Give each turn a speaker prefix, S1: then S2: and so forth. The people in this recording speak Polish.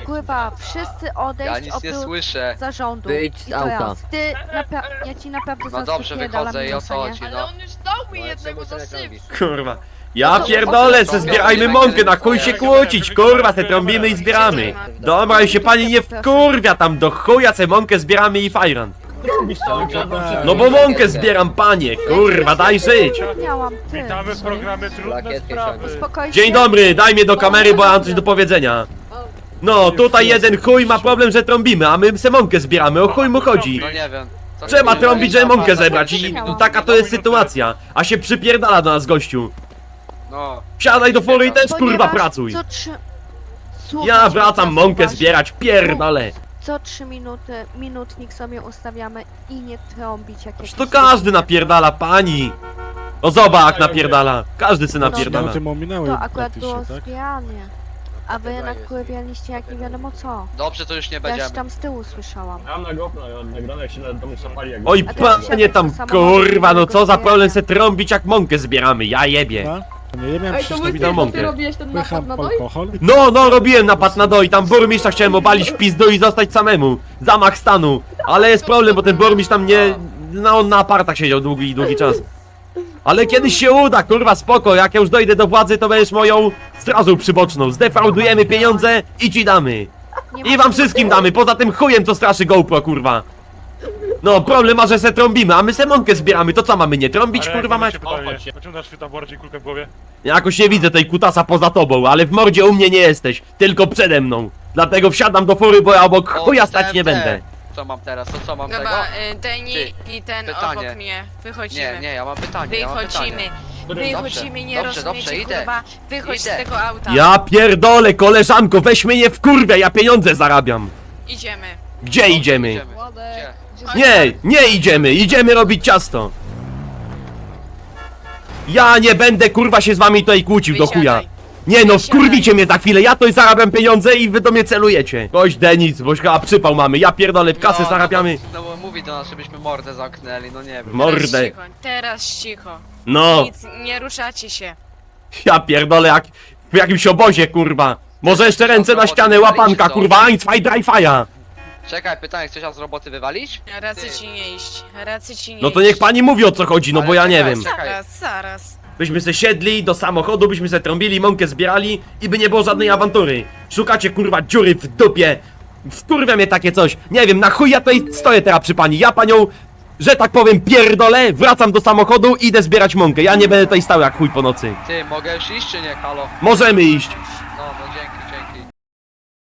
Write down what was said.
S1: Kurwa, wszyscy odejść
S2: Ja nic nie
S1: oprócz
S2: słyszę.
S1: zarządu.
S3: Wyjdź
S1: I
S3: z
S1: to
S3: auta.
S1: Ty, ja ci naprawdę
S2: No
S1: zaraz
S2: dobrze,
S1: wypierdalam
S2: wychodzę i o co
S1: minusa, nie?
S2: chodzi,
S4: Ale
S2: no.
S4: on już dał mi jednego za syf.
S5: Kurwa. Ja pierdolę, se zbierajmy mąkę, na chuj się kłócić, kurwa, se trąbimy i zbieramy. Dobra, i się pani nie wkurwia tam, do chuja se mąkę zbieramy i fajran. No bo mąkę zbieram, panie, kurwa, daj żyć.
S1: Miałam ty.
S6: Witamy w programie Trudne
S3: Plakietkę
S6: Sprawy.
S1: Spokojnie.
S5: Dzień dobry, daj mnie do kamery, bo ja mam coś do powiedzenia. No, tutaj jeden chuj ma problem, że trąbimy, a my se mąkę zbieramy, o chuj mu chodzi.
S2: No nie wiem. Co
S5: Trzeba
S2: ty
S5: trąbić, żeby mąkę
S2: mówisz?
S5: zebrać i taka to jest sytuacja. A się przypierdala do nas gościu.
S2: No.
S5: Wsiadaj do fury i też kurwa
S1: Ponieważ
S5: pracuj.
S1: co Słuchaj,
S5: Ja wracam mąkę
S1: uważnie.
S5: zbierać, pierdolę.
S1: Co 3 minuty, minutnik sobie ustawiamy i nie trąbić jak
S5: To każdy napierdala, pani. O zobacz jak napierdala. Każdy se napierdala.
S7: Minuty mu minęły
S1: To akurat
S7: praktycznie,
S1: było
S7: tak?
S1: zbieranie. A wy nakurwialiście jak nie wiadomo co.
S2: Dobrze, to już nie
S1: Ja
S2: będziemy.
S1: się tam z tyłu słyszałam.
S6: Mam na GoPro nagrane, jak się do mnie zapali jak...
S5: Oj
S1: A teraz
S5: panie tam, kurwa, no co za problem se trąbić jak mąkę zbieramy, ja jebie.
S7: Nie, ja miałem
S8: Ej, to
S7: przecież
S5: witam
S8: wy
S5: mąkę.
S8: ty robiłeś ten napad
S7: pycham
S8: na doj?
S7: alkohol.
S5: No, robiłem napad na doj, tam burmistrza chciałem obalić w pizdu i zostać samemu. Zamach stanu. Ale jest problem, bo ten burmistrz tam nie... No on na apartach siedział długi czas. Ale kiedyś się uda, kurwa, spoko, jak ja już dojdę do władzy, to będziesz moją strażą przyboczną. Zdefraudujemy pieniądze i ci damy. I wam wszystkim damy, poza tym chujem co straszy GoPro, kurwa. No, problem ma, że se trąbimy, a my se mąkę zbieramy, to co mamy nie trąbić, kurwa mać?
S6: Dlaczego dasz tam bardziej kulkę w głowie?
S5: Jakoś nie widzę tej kutasa poza tobą, ale w mordzie u mnie nie jesteś, tylko przede mną. Dlatego wsiadam do fury, bo ja obok
S2: O,
S5: chuja stać nie
S2: TNT.
S5: będę.
S2: Co mam teraz, to co mam tego?
S4: Dobra, Deni i ten
S2: pytanie.
S4: obok mnie. Wychodzimy.
S2: Nie, ja mam pytanie, ja mam
S4: Wychodzimy.
S2: pytanie.
S4: Wychodzimy, nie
S2: dobrze,
S4: rozumiecie,
S2: idę.
S4: kurwa. Wychodź
S2: Idę.
S4: z tego auta.
S5: Ja pierdolę, koleżanko, weź mnie nie wkurwia, ja pieniądze zarabiam.
S4: Idziemy.
S5: Gdzie idziemy?
S8: Władek.
S5: Nie idziemy, idziemy robić ciasto. Ja nie będę kurwa się z wami tutaj kłócił do chuja.
S4: Wysiadaj.
S5: Nie no,
S4: Wysiadaj.
S5: wkurwicie mnie za chwilę, ja tutaj zarabiam pieniądze i wy do mnie celujecie. Gość Denis, bo chyba przypał mamy, ja pierdolę, w kasę zarabiamy.
S2: No bo mówi do nas, żebyśmy mordę zamknęli, no nie wiem.
S5: Mordę.
S4: Teraz cicho.
S5: No,
S4: Nic, nie ruszacie się.
S5: ja pierdolę jak w jakimś obozie kurwa. Może jeszcze ręce na ścianę, łapanka kurwa, ein, zwei, drei, fire.
S2: Czekaj, pytanie, chcesz nas z roboty wywalić?
S4: Racy ci nie iść. Racy ci nie
S5: No to
S4: iść.
S5: niech pani mówi o co chodzi, no bo ja nie wiem.
S4: Zaraz.
S5: Byśmy se siedli do samochodu, byśmy se trąbili, mąkę zbierali i by nie było żadnej awantury. Szukacie kurwa dziury w dupie. Wkurwia mnie takie coś. Nie wiem, na chuj ja tutaj stoję teraz przy pani. Ja panią, że tak powiem, pierdolę, wracam do samochodu i idę zbierać mąkę. Ja nie będę tutaj stał jak chuj po nocy.
S2: Ty, mogę już iść czy nie, halo?
S5: Możemy iść.
S2: No, dzięki.